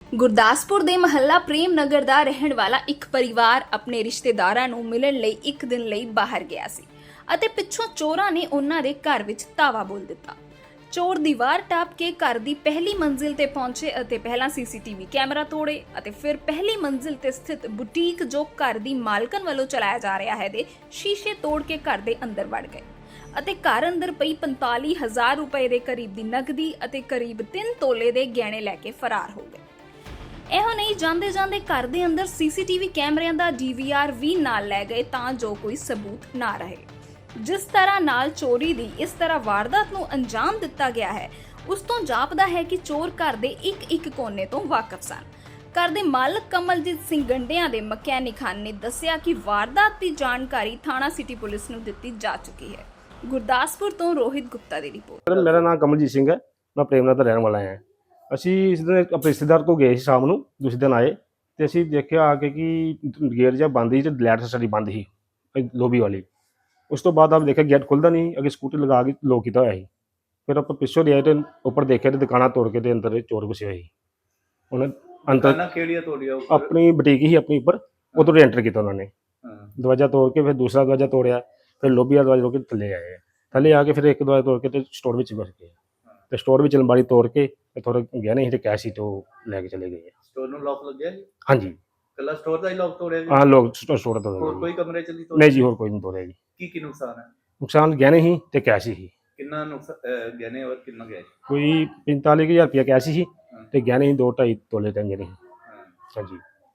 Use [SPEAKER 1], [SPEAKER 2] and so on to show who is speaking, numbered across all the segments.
[SPEAKER 1] ਗੁਰਦਾਸਪੁਰ ਦੇ ਮਹੱਲਾ ਪ੍ਰੇਮ ਨਗਰ ਦਾ ਰਹਿਣ ਵਾਲਾ ਇੱਕ ਪਰਿਵਾਰ ਆਪਣੇ ਰਿਸ਼ਤੇਦਾਰਾਂ ਨੂੰ ਮਿਲਣ ਲਈ ਇੱਕ ਦਿਨ ਲਈ ਬਾਹਰ ਗਿਆ ਸੀ ਅਤੇ ਪਿੱਛੋਂ ਚੋਰਾਂ ਨੇ ਉਹਨਾਂ ਦੇ ਘਰ ਵਿੱਚ ਧਾਵਾ ਬੋਲ ਦਿੱਤਾ। ਚੋਰ ਦੀਵਾਰ ਟੱਪ ਕੇ ਘਰ ਦੀ ਪਹਿਲੀ ਮੰਜ਼ਿਲ ਤੇ ਪਹੁੰਚੇ ਅਤੇ ਪਹਿਲਾਂ ਸੀਸੀਟੀਵੀ ਕੈਮਰਾ ਤੋੜੇ ਅਤੇ ਫਿਰ ਪਹਿਲੀ ਮੰਜ਼ਿਲ ਤੇ ਸਥਿਤ ਬੁਟੀਕ ਜੋ ਘਰ ਦੀ ਮਾਲਕਨ ਵੱਲੋਂ ਚਲਾਇਆ ਜਾ ਰਿਹਾ ਹੈ ਦੇ ਸ਼ੀਸ਼ੇ ਤੋੜ ਕੇ ਘਰ ਦੇ ਅੰਦਰ ਵੜ ਗਏ ਅਤੇ ਘਰ ਅੰਦਰ ਪਈ 45,000 ਰੁਪਏ ਦੇ ਕਰੀਬ ਦੀ ਨਕਦੀ ਅਤੇ ਕਰੀਬ 3 ਤੋਲੇ ਦੇ ਗਹਿਣੇ ਲੈ ਕੇ ਫਰਾਰ ਹੋ ਗਏ। ਇਹੋ ਨਹੀਂ ਜਾਂਦੇ ਜਾਂਦੇ ਘਰ ਦੇ ਅੰਦਰ ਸੀਸੀਟੀਵੀ ਕੈਮਰਿਆਂ ਦਾ ਡੀਵੀਆਰ ਵੀ ਨਾਲ ਲੈ ਗਏ ਤਾਂ ਜੋ ਕੋਈ ਸਬੂਤ ਨਾ ਰਹੇ। ਜਿਸ ਤਰ੍ਹਾਂ ਨਾਲ ਚੋਰੀ ਦੀ ਇਸ ਤਰ੍ਹਾਂ ਵਾਰਦਾਤ ਨੂੰ ਅੰਜਾਮ ਦਿੱਤਾ ਗਿਆ ਹੈ ਉਸ ਤੋਂ ਜਾਪਦਾ ਹੈ ਕਿ ਚੋਰ ਘਰ ਦੇ ਇੱਕ ਕੋਨੇ ਤੋਂ ਵਾਕਿਫ ਸਨ। ਘਰ ਦੇ ਮਾਲਕ ਕਮਲਜੀਤ ਸਿੰਘ ਗੰਡਿਆਂ ਦੇ ਮਕੈਨਿਕ ਹਨ ਨੇ ਦੱਸਿਆ ਕਿ ਵਾਰਦਾਤ ਦੀ ਜਾਣਕਾਰੀ ਥਾਣਾ ਸਿਟੀ ਪੁਲਿਸ ਨੂੰ ਦਿੱਤੀ ਜਾ ਚੁੱਕੀ ਹੈ। ਗੁਰਦਾਸਪੁਰ ਤੋਂ ਰੋਹਿਤ ਗੁਪਤਾ ਦੀ ਰਿਪੋਰਟ।
[SPEAKER 2] ਮੇਰਾ ਨਾਮ ਕਮਲਜੀਤ ਸਿੰਘ ਹੈ, ਮੈਂ ਪ੍ਰੇਮਨਗਰ ਦਾ ਰਹਿਣ ਵਾਲਾ ਹਾਂ। ਅਸੀਂ ਇਸ ਦਿਨ ਆਪਣੇ ਰਿਸ਼ਤੇਦਾਰ ਕੋਲ ਗਏ ਸੀ ਸ਼ਾਮ ਨੂੰ, ਦੂਸਰੇ ਦਿਨ ਆਏ ਤੇ ਅਸੀਂ ਦੇਖਿਆ ਆ ਕੇ ਕਿ ਗੇਟ ਜਿਹਾ ਬੰਦ ਸੀ ਤੇ ਲਾਈਟ ਸਾਡੀ ਬੰਦ ਸੀ ਲੋਬੀ ਵਾਲੀ। ਉਸ ਤੋਂ ਬਾਅਦ ਆਪ ਦੇਖਿਆ ਗੇਟ ਖੁੱਲਦਾ ਨਹੀਂ, ਅੱਗੇ ਸਕੂਟੀ ਲਗਾ ਕੇ ਲੋਕ ਕੀਤਾ ਹੋਇਆ ਸੀ। ਫਿਰ ਆਪਾਂ ਪਿੱਛੋਂ ਦੇ ਆਏ ਤੇ ਉੱਪਰ ਦੇਖਿਆ ਤੇ ਦੁਕਾਨਾਂ ਤੋੜ ਕੇ ਤੇ ਅੰਦਰ ਚੋਰ ਘੁਸੇ ਹੋਏ ਸੀ। ਉਹਨਾਂ ਅੰਦਰ
[SPEAKER 3] ਕਿਹੜੀਆਂ ਤੋੜੀਆਂ?
[SPEAKER 2] ਆਪਣੀ ਬੁਟੀਕ ਹੀ ਆਪਣੀ ਉੱਪਰ, ਉਧਰੋਂ ਐਂਟਰ ਕੀਤਾ ਉਹਨਾਂ ਨੇ। ਦਰਵਾਜ਼ਾ ਤੋੜ ਕੇ ਫਿਰ ਦੂਸਰਾ ਦਰਵਾਜ਼ਾ ਤੋੜਿਆ, ਫਿਰ ਲੋਬੀ ਵਾਲਾ ਦਰਵਾਜ਼ਾ ਤੋੜ ਕੇ ਥੱਲੇ ਆਏ। ਥੱਲੇ ਆ ਕੇ ਫਿਰ ਇੱਕ ਦਰਵਾਜ਼ਾ ਤੋੜ ਕੇ ਤੇ ਸਟੋਰ ਵਿੱਚ ਘੁਸ ਗਏ ਤੇ ਸਟੋਰ ਵਿੱਚ ਅਲਮਾਰੀ ਤੋੜ ਕੇ ਤੇ ਥੋੜਾ ਗਹਿਣੇ ਸੀ ਤੇ ਕੈਸ਼ ਸੀ ਤੇ ਉਹ ਲੈ ਕੇ ਚਲੇ ਗਏ।
[SPEAKER 3] ਸਟੋਰ ਨੂੰ ਲੌਕ ਲੱਗਿਆ ਜੀ?
[SPEAKER 2] ਹਾਂਜੀ,
[SPEAKER 3] ਕੱਲਾ ਸਟੋਰ ਦਾ ਹੀ ਲੌਕ ਤੋੜਿਆ ਜੀ?
[SPEAKER 2] ਹਾਂ, ਲੋਕ ਸਟੋਰ ਤੋਂ
[SPEAKER 3] ਹੋਰ ਕੋਈ ਕਮਰੇ ਚ ਨਹੀਂ ਤੋੜਿਆ?
[SPEAKER 2] ਨਹੀਂ ਜੀ, ਹੋਰ ਕੋਈ ਨਹੀਂ ਤੋੜਿਆ ਜੀ।
[SPEAKER 3] ਕੀ ਨੁਕਸਾਨ ਹੈ?
[SPEAKER 2] ਨੁਕਸਾਨ ਗਹਿਣੇ ਸੀ ਤੇ ਕੈਸ਼ ਸੀ।
[SPEAKER 3] ਕਿੰਨਾ ਗਹਿਣੇ ਔਰ ਕਿੰਨਾ ਗਿਆ ਜੀ?
[SPEAKER 2] ਕੋਈ 45,000 ਰੁਪਇਆ ਕੈਸ਼ ਸੀ ਤੇ ਗਹਿਣੇ ਸੀ 2-2.5 ਤੋਲੇ ਤੇ ਗਹਿਣੇ ਸੀ। ਹਾਂਜੀ,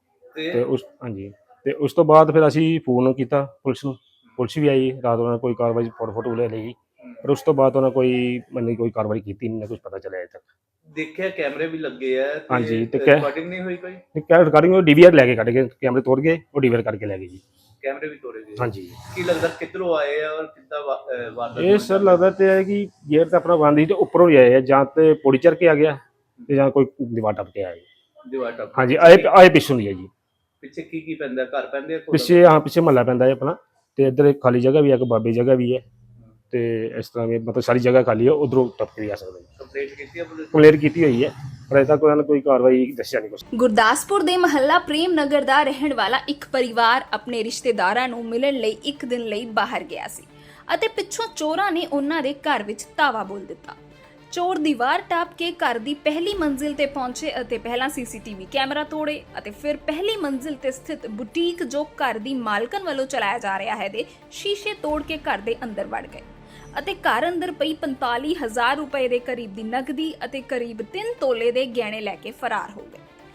[SPEAKER 2] ਤੇ ਉਸ ਤੋਂ ਬਾਅਦ ਫਿਰ ਅਸੀਂ ਫੋਨ ਕੀਤਾ ਪੁਲਿਸ ਨੂੰ। ਪੁਲਿਸ ਵੀ ਆਈ ਰਾਤ, ਉਹਨਾਂ ਨੇ ਕੋਈ ਕਾਰਵਾਈ ਫੋਟੋ ਲੈ ਲਈ, ਪਰ ਉਸ ਤੋਂ ਬਾਅਦ ਉਹਨਾਂ ਕੋਈ ਕਾਰਵਾਈ ਕੀਤੀ ਨਹੀਂ, ਕੁਝ ਪਤਾ ਚੱਲਿਆ ਅਜੇ ਤੱਕ।
[SPEAKER 3] ਦੇਖਿਆ ਕੈਮਰੇ ਵੀ ਲੱਗੇ ਆ?
[SPEAKER 2] ਹਾਂਜੀ, ਤੇ
[SPEAKER 3] ਰਿਕਾਰਡਿੰਗ ਨਹੀਂ ਹੋਈ ਕੋਈ?
[SPEAKER 2] ਰਿਕਾਰਡਿੰਗ ਉਹ ਡੀਵੀਆਰ ਲੈ ਕੇ ਕੱਢ ਕੇ ਕੈਮਰੇ ਤੋੜ ਗਏ, ਉਹ ਡੀਵੀਆਰ ਕਰਕੇ ਲੈ ਗਏ ਜੀ।
[SPEAKER 3] ਕੈਮਰੇ ਵੀ ਤੋੜੇ ਗਏ?
[SPEAKER 2] ਹਾਂਜੀ।
[SPEAKER 3] ਕੀ ਲੱਗਦਾ ਕਿੱਧਰੋਂ ਆਏ ਆ ਔਰ ਕਿੱਦਾਂ ਵਾਰਦਾਤ?
[SPEAKER 2] ਇਹ ਸਰ ਲੱਗਦਾ ਤੇ ਹੈ ਕਿ ਗੇਟ ਤਾਂ ਆਪਣਾ ਬੰਦ ਸੀ ਤੇ ਉੱਪਰੋਂ ਹੀ ਆਏ ਆ, ਜਾਂ ਤੇ ਪੌੜੀ ਚੜ੍ਹ ਕੇ ਆ ਗਿਆ ਤੇ ਜਾਂ ਕੋਈ ਦੀਵਾਰ ਟੱਪ ਕੇ ਆਇਆ।
[SPEAKER 3] ਦੀਵਾਰ ਟੱਪ?
[SPEAKER 2] ਹਾਂਜੀ, ਆਏ ਪਿੱਛੋਂ ਦੀ ਹੈ ਜੀ।
[SPEAKER 3] ਪਿੱਛੇ ਕੀ ਪੈਂਦਾ? ਘਰ ਪੈਂਦੇ?
[SPEAKER 2] ਪਿੱਛੇ ਮਹੱਲਾ ਪੈਂਦਾ ਹੈ ਆਪਣਾ, ਤੇ ਇੱਧਰ ਇੱਕ ਖਾਲੀ ਜਗ੍ਹਾ ਵੀ ਹੈ, ਇੱਕ ਬਾਬੇ ਜਗ੍ਹਾ ਵੀ ਹੈ, ਤੇ ਇਸ ਤਰ੍ਹਾਂ ਵੀ ਮਤਲਬ ਸਾਰੀ ਜਗ੍ਹਾ ਖਾਲੀ ਹੈ, ਉਧਰੋਂ ਟੱਪ ਕੇ ਆ ਸਕਦਾ ਜੀ।
[SPEAKER 3] ਕੰਪਲੇਂਟ ਕੀਤੀ ਹੈ ਪੁਲਿਸ?
[SPEAKER 2] ਕੰਪਲੇਂਟ ਕੀਤੀ ਹੋਈ ਹੈ, ਪਰ ਅਜੇ ਤੱਕ ਉਹਨਾਂ ਨੇ ਕੋਈ ਕਾਰਵਾਈ ਦੱਸਿਆ ਨਹੀਂ ਕੁਛ।
[SPEAKER 1] ਗੁਰਦਾਸਪੁਰ ਦੇ ਮਹੱਲਾ ਪ੍ਰੇਮ ਨਗਰ ਦਾ ਰਹਿਣ ਵਾਲਾ ਇੱਕ ਪਰਿਵਾਰ ਆਪਣੇ ਰਿਸ਼ਤੇਦਾਰਾਂ ਨੂੰ ਮਿਲਣ ਲਈ ਇੱਕ ਦਿਨ ਲਈ ਬਾਹਰ ਗਿਆ ਸੀ ਅਤੇ ਪਿੱਛੋਂ ਚੋਰਾਂ ਨੇ ਉਹਨਾਂ ਦੇ ਘਰ ਵਿੱਚ ਧਾਵਾ ਬੋਲ ਦਿੱਤਾ। ਚੋਰ ਦੀਵਾਰ ਟੱਪ ਕੇ ਘਰ ਦੀ ਪਹਿਲੀ ਮੰਜ਼ਿਲ ਤੇ ਪਹੁੰਚੇ ਅਤੇ ਪਹਿਲਾਂ ਸੀਸੀਟੀਵੀ ਕੈਮਰਾ ਤੋੜੇ ਅਤੇ ਫਿਰ ਪਹਿਲੀ ਮੰਜ਼ਿਲ ਤੇ ਸਥਿਤ ਬੁਟੀਕ ਜੋ ਘਰ ਦੀ ਮਾਲਕਨ ਵੱਲੋਂ ਚਲਾਇਆ ਜਾ ਰਿਹਾ ਹੈ ਦੇ ਸ਼ੀਸ਼ੇ ਤੋੜ ਕੇ ਘਰ ਦੇ ਅੰਦਰ ਵੜ ਗਏ ਅਤੇ ਘਰ ਅੰਦਰ ਪਈ 45,000 ਰੁਪਏ ਦੇ ਕਰੀਬ ਦੀ ਨਕਦੀ ਅਤੇ ਕਰੀਬ 3 ਤੋਲੇ ਦੇ ਗਹਿਣੇ ਲੈ ਕੇ ਫਰਾਰ ਹੋ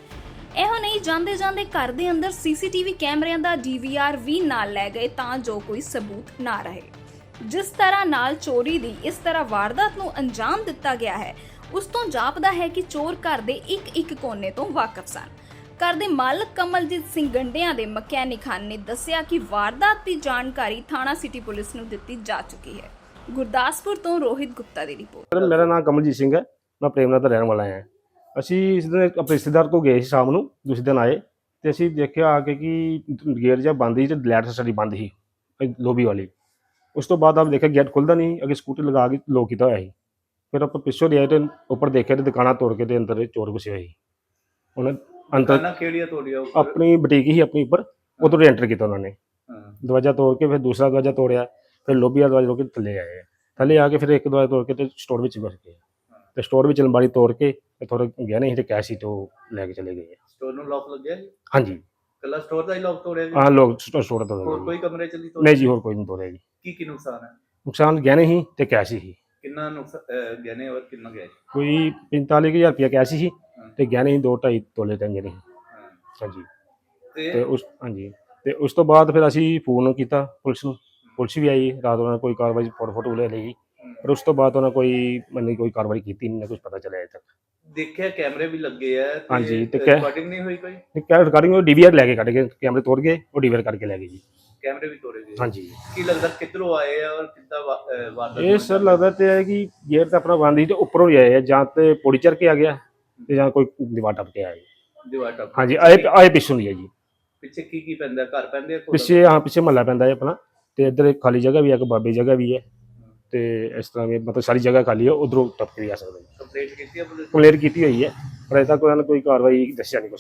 [SPEAKER 1] ਗਏ। ਇਹੋ ਨਹੀਂ ਜਾਂਦੇ ਜਾਂਦੇ ਘਰ ਦੇ ਅੰਦਰ ਸੀਸੀਟੀਵੀ ਕੈਮਰਿਆਂ ਦਾ ਡੀਵੀਆਰ ਵੀ ਨਾਲ ਲੈ ਗਏ ਤਾਂ ਜੋ ਕੋਈ ਸਬੂਤ ਨਾ ਰਹੇ। ਜਿਸ ਤਰ੍ਹਾਂ ਨਾਲ ਚੋਰੀ ਦੀ ਇਸ ਤਰ੍ਹਾਂ ਵਾਰਦਾਤ ਨੂੰ ਅੰਜਾਮ ਦਿੱਤਾ ਗਿਆ ਹੈ ਉਸ ਤੋਂ ਜਾਪਦਾ ਹੈ ਕਿ ਚੋਰ ਘਰ ਦੇ ਇੱਕ ਕੋਨੇ ਤੋਂ ਵਾਕਿਫ ਸਨ। ਘਰ ਦੇ ਮਾਲਕ ਕਮਲਜੀਤ ਸਿੰਘ ਗੰਡਿਆਂ ਦੇ ਮਕੈਨਿਕ ਹਨ ਨੇ ਦੱਸਿਆ ਕਿ ਵਾਰਦਾਤ ਦੀ ਜਾਣਕਾਰੀ ਥਾਣਾ ਸਿਟੀ ਪੁਲਿਸ ਨੂੰ ਦਿੱਤੀ ਜਾ ਚੁੱਕੀ ਹੈ। ਗੁਰਦਾਸਪੁਰ ਤੋਂ ਰੋਹਿਤ ਗੁਪਤਾ ਦੀ ਰਿਪੋਰਟ।
[SPEAKER 2] ਮੇਰਾ ਨਾਮ ਕਮਲਜੀਤ ਸਿੰਘ ਹੈ, ਮੈਂ ਪ੍ਰੇਮਨਗਰ ਦਾ ਰਹਿਣ ਵਾਲਾ ਹਾਂ। ਅਸੀਂ ਇਸ ਦਿਨ ਆਪਣੇ ਰਿਸ਼ਤੇਦਾਰ ਕੋਲ ਗਏ ਸੀ ਸ਼ਾਮ ਨੂੰ, ਦੂਸਰੇ ਦਿਨ ਆਏ ਤੇ ਅਸੀਂ ਦੇਖਿਆ ਆ ਕੇ ਕਿ ਗੇਟ ਜਿਹਾ ਬੰਦ ਸੀ ਤੇ ਲਾਈਟ ਸਾਡੀ ਬੰਦ ਸੀ ਲੋਬੀ ਵਾਲੀ। ਉਸ ਤੋਂ ਬਾਅਦ ਆਪ ਦੇਖਿਆ ਗੇਟ ਖੁੱਲਦਾ ਨਹੀਂ, ਅੱਗੇ ਸਕੂਟੀ ਲਗਾ ਕੇ ਲੋਕ ਕੀਤਾ ਹੋਇਆ ਸੀ। ਫਿਰ ਆਪਾਂ ਪਿੱਛੋਂ ਦੇ ਆਏ ਤੇ ਉੱਪਰ ਦੇਖਿਆ ਤੇ ਦੁਕਾਨਾਂ ਤੋੜ ਕੇ ਤੇ ਅੰਦਰ ਚੋਰ ਘੁਸੇ ਹੋਏ ਸੀ। ਉਹਨਾਂ ਅੰਦਰ
[SPEAKER 3] ਕਿਹੜੀਆਂ ਤੋੜੀਆਂ?
[SPEAKER 2] ਆਪਣੀ ਬੁਟੀਕ ਹੀ ਆਪਣੀ ਉੱਪਰ, ਉਧਰੋਂ ਐਂਟਰ ਕੀਤਾ ਉਹਨਾਂ ਨੇ। ਦਰਵਾਜ਼ਾ ਤੋੜ ਕੇ ਫਿਰ ਦੂਸਰਾ ਦਰਵਾਜ਼ਾ ਤੋੜਿਆ, ਫਿਰ ਲੋਬੀ ਵਾਲਾ ਦਰਵਾਜ਼ਾ ਤੋੜ ਕੇ ਥੱਲੇ ਆਏ। ਥੱਲੇ ਆ ਕੇ ਫਿਰ ਇੱਕ ਦਰਵਾਜ਼ਾ ਤੋੜ ਕੇ ਤੇ ਸਟੋਰ ਵਿੱਚ ਘੁਸ ਗਏ ਤੇ ਸਟੋਰ ਵਿੱਚ ਅਲਮਾਰੀ ਤੋੜ ਕੇ ਤੇ ਥੋੜਾ ਗਹਿਣੇ ਸੀ ਤੇ ਕੈਸ਼ ਸੀ ਤੇ ਉਹ ਲੈ ਕੇ ਚਲੇ ਗਏ।
[SPEAKER 3] ਸਟੋਰ ਨੂੰ ਲੌਕ ਲੱਗਿਆ ਜੀ?
[SPEAKER 2] ਹਾਂਜੀ,
[SPEAKER 3] ਕੱਲਾ ਸਟੋਰ ਦਾ ਹੀ ਲੌਕ ਤੋੜਿਆ ਜੀ?
[SPEAKER 2] ਹਾਂ, ਲੋਕ ਸਟੋਰ ਤੋਂ।
[SPEAKER 3] ਹੋਰ ਕੋਈ ਕਮਰੇ ਚ ਨਹੀਂ ਤੋੜਿਆ?
[SPEAKER 2] ਨਹੀਂ ਜੀ, ਹੋਰ ਕੋਈ ਨਹੀਂ ਤੋੜਿਆ ਜੀ।
[SPEAKER 3] ਕੀ ਨੁਕਸਾਨ ਹੈ?
[SPEAKER 2] ਨੁਕਸਾਨ ਗਹਿਣੇ ਸੀ ਤੇ ਕੈਸ਼ ਸੀ।
[SPEAKER 3] ਕਿੰਨਾ ਗਹਿਣੇ ਔਰ ਕਿੰਨਾ ਗਿਆ ਜੀ?
[SPEAKER 2] ਕੋਈ 45,000 ਰੁਪਇਆ ਕੈਸ਼ ਸੀ ਤੇ ਗਹਿਣੇ ਸੀ 2-2.5 ਤੋਲੇ ਤੇ ਗਹਿਣੇ ਸੀ। ਹਾਂਜੀ, ਤੇ ਉਸ ਤੋਂ ਬਾਅਦ ਫਿਰ ਅਸੀਂ ਫੋਨ ਕੀਤਾ ਪੁਲਿਸ ਨੂੰ। ਪੁਲਿਸ ਵੀ ਆਈ ਰਾਤ, ਉਹਨਾਂ ਨੇ ਕੋਈ ਕਾਰਵਾਈ ਫੋਟੋ ਲੈ ਲਈ, ਪਰ ਉਸ ਤੋਂ ਬਾਅਦ ਉਹਨਾਂ ਕੋਈ ਕਾਰਵਾਈ ਕੀਤੀ ਨਹੀਂ, ਕੁਝ ਪਤਾ ਚੱਲਿਆ ਅਜੇ ਤੱਕ।
[SPEAKER 3] ਦੇਖਿਆ ਕੈਮਰੇ ਵੀ ਲੱਗੇ ਆ?
[SPEAKER 2] ਹਾਂਜੀ, ਤੇ
[SPEAKER 3] ਰਿਕਾਰਡਿੰਗ ਨਹੀਂ ਹੋਈ ਕੋਈ?
[SPEAKER 2] ਰਿਕਾਰਡਿੰਗ ਉਹ ਡੀਵੀਆਰ ਲੈ ਕੇ ਕੱਢ ਕੇ ਕੈਮਰੇ ਤੋੜ ਗਏ, ਉਹ ਡੀਵੀਆਰ ਕਰਕੇ ਲੈ ਗਏ ਜੀ।
[SPEAKER 3] ਕੈਮਰੇ ਵੀ ਤੋੜੇ ਗਏ?
[SPEAKER 2] ਹਾਂਜੀ।
[SPEAKER 3] ਕੀ ਲੱਗਦਾ ਕਿੱਧਰੋਂ ਆਏ ਆ ਔਰ ਕਿੱਦਾਂ ਵਾਰਦਾਤ?
[SPEAKER 2] ਇਹ ਸਰ ਲੱਗਦਾ ਤੇ ਹੈ ਕਿ ਗੇਟ ਤਾਂ ਆਪਣਾ ਬੰਦ ਸੀ ਤੇ ਉੱਪਰੋਂ ਹੀ ਆਏ ਆ, ਜਾਂ ਤੇ ਪੌੜੀ ਚੜ੍ਹ ਕੇ ਆ ਗਿਆ ਤੇ ਜਾਂ ਕੋਈ ਦੀਵਾਰ ਟੱਪ ਕੇ ਆਇਆ।
[SPEAKER 3] ਦੀਵਾਰ ਟੱਪ?
[SPEAKER 2] ਹਾਂਜੀ, ਆਏ ਪਿੱਛੋਂ ਦੀ ਹੈ ਜੀ।
[SPEAKER 3] ਪਿੱਛੇ ਕੀ ਪੈਂਦਾ? ਘਰ ਪੈਂਦੇ?
[SPEAKER 2] ਪਿੱਛੇ ਮਹੱਲਾ ਪੈਂਦਾ ਹੈ ਆਪਣਾ, ਤੇ ਇੱਧਰ ਇੱਕ ਖਾਲੀ ਜਗ੍ਹਾ ਵੀ ਹੈ, ਇੱਕ ਬਾਬੇ ਜਗ੍ਹਾ ਵੀ ਹੈ, ਤੇ ਇਸ ਤਰ੍ਹਾਂ ਵੀ ਮਤਲਬ ਸਾਰੀ ਜਗ੍ਹਾ ਖਾਲੀ ਹੈ, ਉਧਰੋਂ ਟੱਪ ਕੇ ਵੀ ਆ ਸਕਦਾ ਜੀ।
[SPEAKER 3] ਕੰਪਲੇਂਟ ਕੀਤੀ ਹੈ ਪੁਲਿਸ ਨੇ?
[SPEAKER 2] ਕੰਪਲੇਂਟ ਕੀਤੀ ਹੋਈ ਹੈ, ਪਰ ਅਜੇ ਤੱਕ ਉਹਨਾਂ ਨੇ ਕੋਈ ਕਾਰਵਾਈ ਦੱਸਿਆ ਨਹੀਂ ਕੁਛ।